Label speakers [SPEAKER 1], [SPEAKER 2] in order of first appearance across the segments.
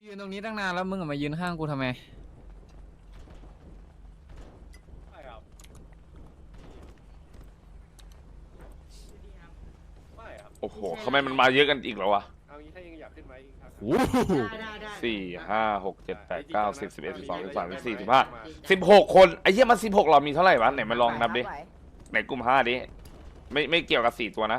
[SPEAKER 1] ยืนตรงนี้ตั้งนานแล้วมึงมายืนข้างกูทำไม
[SPEAKER 2] ใช่ครับไม่ครับ
[SPEAKER 3] โอ้โหทำไมมันมาเยอะกันอีกแล้ววะ
[SPEAKER 2] เอางี้ถ้ายังอยากขึ้นไหมอีกครับ
[SPEAKER 3] โอ้โห4 5 6 7 8 9 10 11 12 13 14 15 16 คนไอ้เหี้ยมัน16เรามีเท่าไหร่วะไหนมาลองนับดิไหนกลุ่ม5ดิไม่เกี่ยวกับ4ตัวนะ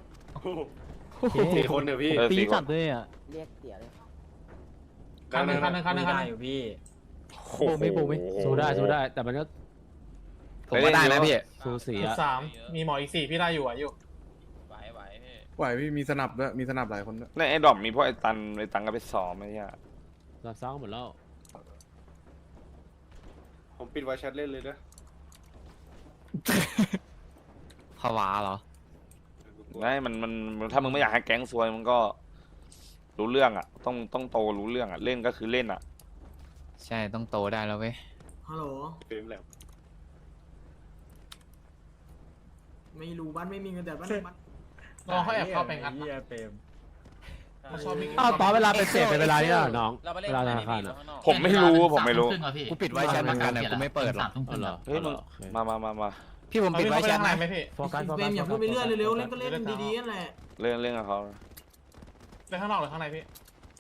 [SPEAKER 2] 4 คนเดี๋ยวพี่
[SPEAKER 3] 4 คน
[SPEAKER 4] จับด้วยอ่ะ
[SPEAKER 5] เรียกเตี๋ยเลย
[SPEAKER 2] คันหนึ่ง
[SPEAKER 1] อยู่พี่
[SPEAKER 3] โอ้โห
[SPEAKER 4] ไม่สู้ได้แต่มันก็
[SPEAKER 1] ผมก็ได้นะพี่
[SPEAKER 4] สูสีอ่ะ
[SPEAKER 6] 13มีหมออีก4พี่ได้อยู่อยู่
[SPEAKER 7] ไหวพี่มีสนับด้วยมีสนับหลายคนด้วย
[SPEAKER 3] ในไอ้ดอมมีพวกไอ้ตังก็ไปซ้อมไอ้เหี้ย
[SPEAKER 4] เราซ้อมหมดแล้ว
[SPEAKER 2] ผมปิดไวแชทเล่นเลยนะ
[SPEAKER 1] ภาวะเหรอ
[SPEAKER 3] ไม่มันถ้ามึงไม่อยากให้แก๊งซวยมึงก็รู้เรื่องอ่ะต้องโตรู้เรื่องอ่ะเล่นก็คือเล่นอ่ะ
[SPEAKER 1] ใช่ต้องโตได้แล้วเว้ย
[SPEAKER 8] ฮัลโหล
[SPEAKER 2] เฟรมแหลม
[SPEAKER 8] ไม่รู้บ้านไม่มีเงินแต่บ้านบ้าน
[SPEAKER 6] ลองเขาแอบเข้าไปงัดนะเขาชอบมี
[SPEAKER 4] อ้าวตอนเวลาเป็นเศษเป็นเวลานี่อ่ะน้องเวลาธนาคารอ่ะ
[SPEAKER 3] ผมไม่รู้
[SPEAKER 1] กูปิดไว้แชทมากันนะกูไม่เปิดหรอก
[SPEAKER 3] เฮ้ยมึงมา
[SPEAKER 1] พี่ผมปิดไว้แชท
[SPEAKER 6] ไหน
[SPEAKER 1] นะ
[SPEAKER 6] ไหมพี่
[SPEAKER 4] โฟกัส
[SPEAKER 8] เฟรมอย่าพูดไปเรื่อยเร็วๆเล่นก็เล่นดีๆนั่นแหละ
[SPEAKER 3] เล่นกับเขา
[SPEAKER 6] ในข้างนอกหรือข้างในพี่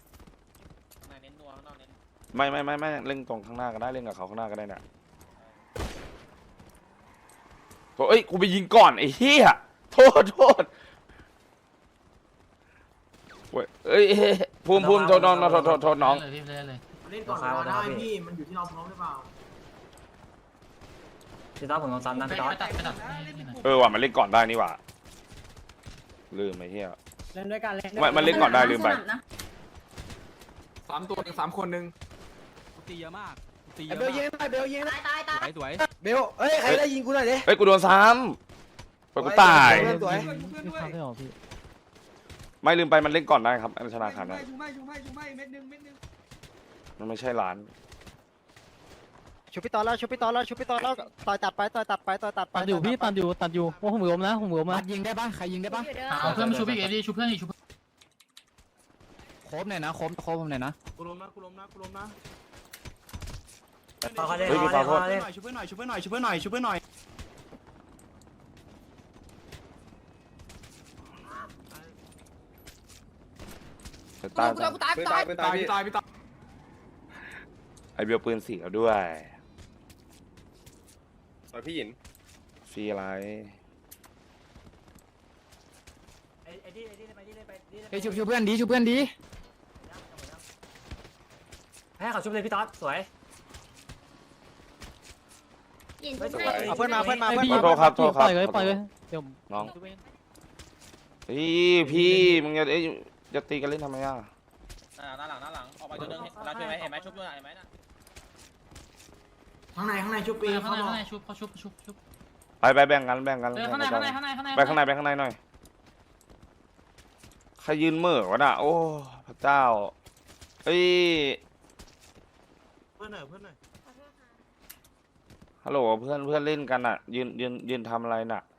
[SPEAKER 3] ไม่เล่นตรงข้างหน้าก็ได้เล่นกับเขาข้างหน้าก็ได้เนี่ยเอ้ยกูไปยิงก่อนไอ้เหี้ยโทษเว้ยเอ้ยภูมิโทษน้องโทษน้อง
[SPEAKER 8] เล่นก่อนเวลาได้พี่มันอยู่ที่เราพร้อมหรือเปล่า
[SPEAKER 5] พี่ต๊อบผมลองซ้ำนะพี่ต๊อบ
[SPEAKER 3] ว่ะมันเล่นก่อนได้นี่หว่าลืมไอ้เหี้ย
[SPEAKER 5] เล่นด้วยกันเล่น
[SPEAKER 3] มันเล่นก่อนได้ลืมไป
[SPEAKER 7] 3 ตัว3 คนหนึ่ง
[SPEAKER 1] ตีเยอะมากตี
[SPEAKER 7] เบลยิงหน่อยเบลยิงนะ
[SPEAKER 1] สวย
[SPEAKER 7] เบลเอ้ยใครได้ยิงกูหน่อยดิ
[SPEAKER 3] เฮ้ยกูโดนซ้ำไปกูตาย
[SPEAKER 7] สวย
[SPEAKER 4] พี่ทำได้หรอพี่
[SPEAKER 3] ไม่ลืมไปมันเล่นก่อนได้ครับธนาคารนะ
[SPEAKER 5] ชุบไม่เม็ดนึง
[SPEAKER 3] มันไม่ใช่ร้าน
[SPEAKER 5] ชุบพี่ต๊อบแล้วต่อยตัดไป
[SPEAKER 4] ตัดอยู่พี่ตัดอยู่โอ้ผมล้มนะ
[SPEAKER 1] ยิงได้ปะใครยิงได้ปะ
[SPEAKER 9] เอาเพื่อนมาชูพี่เอดีชูเพื่อนอีกชู
[SPEAKER 1] โคบหน่อยนะโคบผมหน่อยนะ
[SPEAKER 7] กูล้มนะ
[SPEAKER 3] เฮ้ยมีขอโทษ
[SPEAKER 7] ช่วยเพื่อนหน่อย
[SPEAKER 3] ตาย
[SPEAKER 7] ตายพี่
[SPEAKER 3] ไอเบลปืนสีแล้วด้วย
[SPEAKER 2] ต่อยพี่หยิน
[SPEAKER 3] ฟรีอะไร
[SPEAKER 1] เฮ้ยชุบเพื่อนดี
[SPEAKER 5] ให้เขาชุบเลยพี่ต๊อบสวย
[SPEAKER 3] เอา
[SPEAKER 5] เพื่อนมา
[SPEAKER 3] โทษครับ
[SPEAKER 4] ปล่อยเลยเดี๋ยว
[SPEAKER 3] น้องพี่มึงจะตีกันเล่นทำไมอ่ะ
[SPEAKER 9] หน้าหลังออกไปตัวนึงเราช่วยไหมเห็นไหมชุบด้วยเห็นไหมนะ
[SPEAKER 8] ข้างในชุบปี
[SPEAKER 9] ข้าง
[SPEAKER 8] เขาบอก
[SPEAKER 9] ในชุบเขาชุบ
[SPEAKER 3] ไปแบ่งกัน
[SPEAKER 9] ข้างใน
[SPEAKER 3] ไปข้างในหน่อยใครยืนเหม่อวะน่ะโอ้พระเจ้าเฮ้ย
[SPEAKER 7] เพื่อนหน่อย
[SPEAKER 3] ฮัลโหลเพื่อนเล่นกันอ่ะยืนทำอะไรน่ะ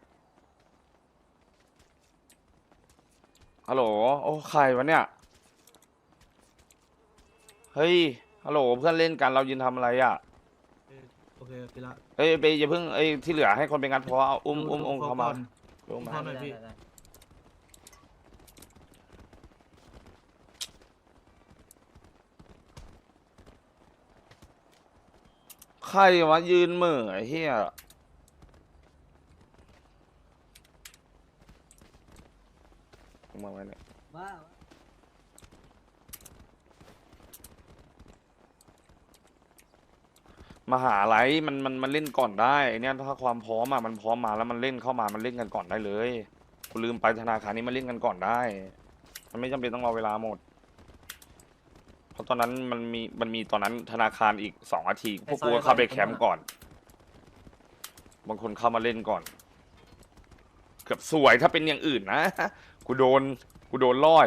[SPEAKER 3] ฮัลโหลโอ้ใครวะเนี่ยเฮ้ยฮัลโหลเพื่อนเล่นกันเรายืนทำอะไรอ่ะ
[SPEAKER 7] โอเคไปละ
[SPEAKER 3] เอ้ยไปอย่าเพิ่งที่เหลือให้คนไปงัดเพราะเอาอุ้มเขามาอุ้มมา
[SPEAKER 7] หน่อยพี่
[SPEAKER 3] ใครวะยืนเหม่อไอ้เหี้ยมาไว้เนี่ยมหาลัยมันเล่นก่อนได้ไอ้เนี่ยถ้าความพร้อมอ่ะมันพร้อมมาแล้วมันเล่นเข้ามามันเล่นกันก่อนได้เลยกูลืมไปธนาคารนี้มันเล่นกันก่อนได้มันไม่จำเป็นต้องรอเวลาหมดเพราะตอนนั้นมันมีตอนนั้นธนาคารอีก2 นาทีพวกกูก็เข้าไปแคมป์ก่อนบางคนเข้ามาเล่นก่อนเกือบสวยถ้าเป็นอย่างอื่นนะกูโดนล่อย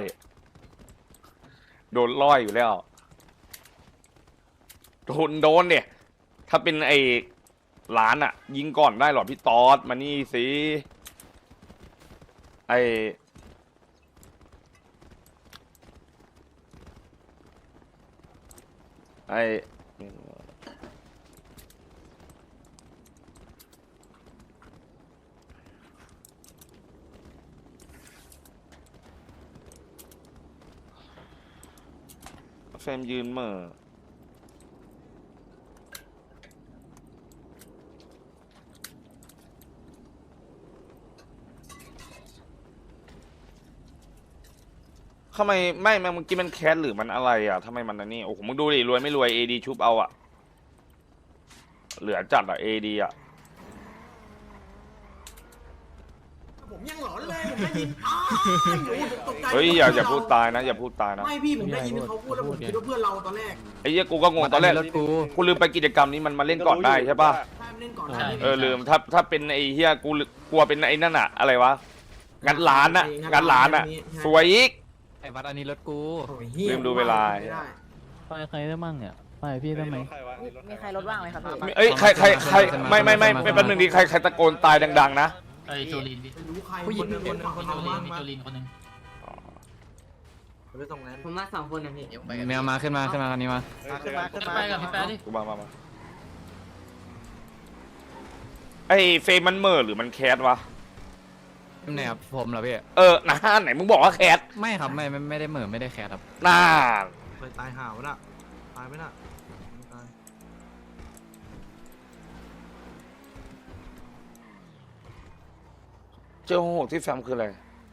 [SPEAKER 3] อยู่แล้วโดนเนี่ยถ้าเป็นไอ้ร้านอะยิงก่อนได้หรอพี่ตอดมานี่สิไอไอ้เฟรมยืนเหม่อทำไมไม่เมื่อกี้มันแคสหรือมันอะไรอ่ะทำไมมันอันนี้โอ้โหมึงดูดิรวยไม่รวย AD ชุบเอาอ่ะเหลือจัดอ่ะ AD อ่ะ
[SPEAKER 8] ผมยังหลอนเลยผมได้ยินอ้าวตกใจ
[SPEAKER 3] เฮ้ยอย่าพูดตายนะอย่าพูดตายนะ
[SPEAKER 8] ไม่พี่ผมได้ยินเขาพูดแล้วผมคิดว่าเพื่อนเราตอนแรก
[SPEAKER 3] ไอ้เหี้ยกูก็งงตอนแรก
[SPEAKER 1] รถกู
[SPEAKER 3] กูลืมไปกิจกรรมนี้มันมาเล่นก่อนได้ใช่ป่ะ
[SPEAKER 8] ใช่มันเล่นก่อนนะ
[SPEAKER 3] ลืมถ้าเป็นไอ้เหี้ยกูกลัวเป็นไอ้นั่นอะอะไรวะงัดร้านอะงัดร้านอะสวยอีก
[SPEAKER 1] ไอ้วัดอันนี้รถกู
[SPEAKER 8] โอ้ยเหี้ย
[SPEAKER 3] ลืมดูเวลา
[SPEAKER 8] ไม่ได้
[SPEAKER 4] ไปใครได้มั่งเนี่ยไปพี่ได้ไหม
[SPEAKER 9] มีใครรถว่างไหมครับพี่
[SPEAKER 3] เอ้ยใครไม่แป๊บนึงดิใครตะโกนตายดังๆนะ
[SPEAKER 6] ไอ้โจลินพี่
[SPEAKER 8] ไม่รู้ใคร
[SPEAKER 1] ผู้หญิง
[SPEAKER 8] คนหนึ่งคนหนึ่ง
[SPEAKER 6] มีโจลินคนหนึง
[SPEAKER 5] ไปส่งนั้น
[SPEAKER 9] ผมมา2 คนนะพี่
[SPEAKER 1] เมียมาขึ้นมาคันนี้มา
[SPEAKER 5] ขึ้นมาขึ้นมา
[SPEAKER 6] ไปกับพี่แป๊ะดิ
[SPEAKER 3] กูมาไอ้เฟรมมันเหม่อหรือมันแคสวะ
[SPEAKER 1] ไหนครับผมเหรอพี่
[SPEAKER 3] นะไหนมึงบอกว่าแคส
[SPEAKER 1] ไม่ครับไม่ได้เหม่อไม่ได้แคสครับ
[SPEAKER 3] น่า
[SPEAKER 5] เคยตายห่าวน่ะตายไหมน่ะตาย
[SPEAKER 3] เจ้าหกที่แฟมคืออะไร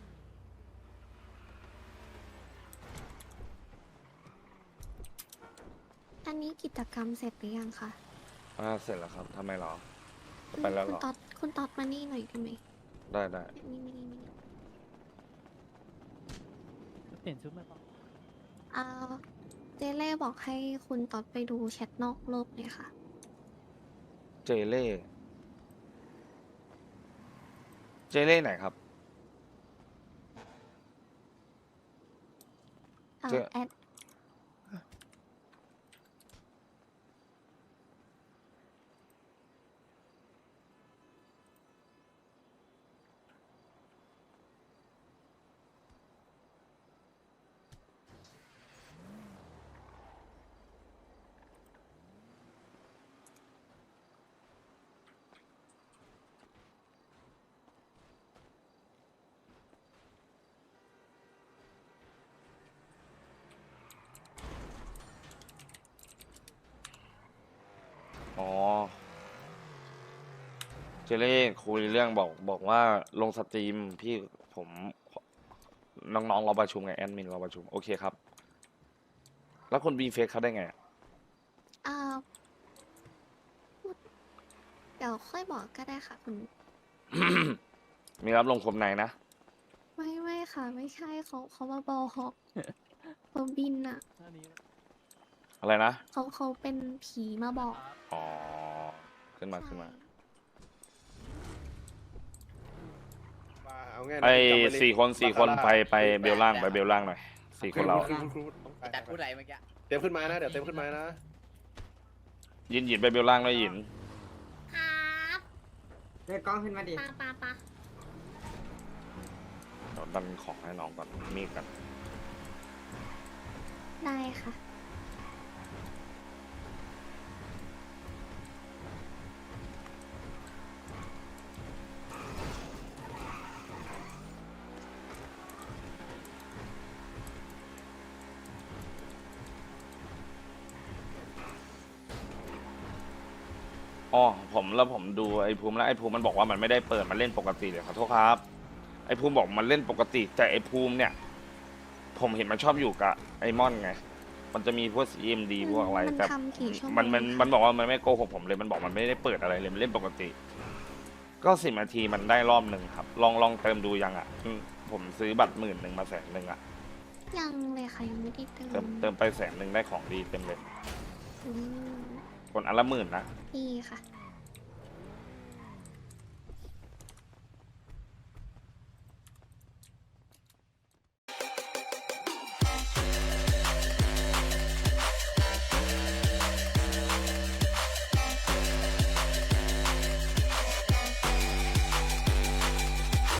[SPEAKER 10] อันนี้กิจกรรมเสร็จหรือยังคะ
[SPEAKER 3] เสร็จแล้วครับทำไมหรอไปแล้วหรอ
[SPEAKER 10] คุณต๊อดมานี่หน่อยได้ไหม
[SPEAKER 3] ได้
[SPEAKER 10] นี่
[SPEAKER 4] เปลี่ยนชุดไหมปะ
[SPEAKER 10] เจเล่บอกให้คุณต๊อดไปดูแชทนอกโลกเลยค่ะ
[SPEAKER 3] เจเล่ไหนครับ เจ
[SPEAKER 10] แอด
[SPEAKER 3] อ๋อเจเล่คุยเรื่องบอกว่าลงสตรีมพี่ผมน้องๆเราประชุมไงแอดมินเราประชุมโอเคครับ แล้วคนบีเฟซเขาได้ไงอะ
[SPEAKER 10] เดี๋ยวค่อยบอกก็ได้ค่ะคุณ
[SPEAKER 3] มีรับลงคมในนะ
[SPEAKER 10] ไม่ค่ะ ไม่ใช่เขามาบอกเขาบินอ่ะ
[SPEAKER 3] อะไรนะ
[SPEAKER 10] เขาเป็นผีมาบอก
[SPEAKER 3] อ๋อขึ้นมา
[SPEAKER 10] ใช่
[SPEAKER 2] เอาง่ายนะ
[SPEAKER 3] ไอ้
[SPEAKER 2] จำว้เลย
[SPEAKER 3] สี่คนไปเบลล่างไปเบลล่างหน่อย4 คนเรา
[SPEAKER 2] ครู
[SPEAKER 9] จัดพูดอะไรเมื่อกี้
[SPEAKER 2] เต็มขึ้นมานะเดี๋ยวเต็มขึ้นมานะ
[SPEAKER 3] หยินไปเบลล่างด้วยหยิน
[SPEAKER 10] ครับ
[SPEAKER 9] เรียกกล้องขึ้นมาดิ
[SPEAKER 10] ปา
[SPEAKER 3] เดี๋ยวดันของให้น้องก่อนมีดกัน
[SPEAKER 10] ได้ค่ะ
[SPEAKER 3] อ๋อผมดูไอ้ภูมิแล้วไอ้ภูมิมันบอกว่ามันไม่ได้เปิดมันเล่นปกติเลยขอโทษครับไอ้ภูมิบอกมันเล่นปกติแต่ไอ้ภูมิเนี่ย ผมเห็นมันชอบอยู่กับไอ้ม่อนไงมันจะมีพวก CMD พวกอะไร
[SPEAKER 10] มัน
[SPEAKER 3] แต่
[SPEAKER 10] ทำกี่ชั่วโมง
[SPEAKER 3] มันบอกว่ามันไม่โกหกผมเลยมันบอกมันไม่ได้เปิดอะไรเลยมันเล่นปกติ ก็10 นาทีมันได้รอบหนึ่งครับลองเติมดูยังอ่ะผมซื้อบัตร10,000มา100,000อ่ะ
[SPEAKER 10] ยังเลยค่ะยังไม่ได้เติ
[SPEAKER 3] เติมไป100,000ได้ของดีเต็มเลย
[SPEAKER 10] อืม
[SPEAKER 3] คนอันละ10,000นะ
[SPEAKER 10] ดีค่ะ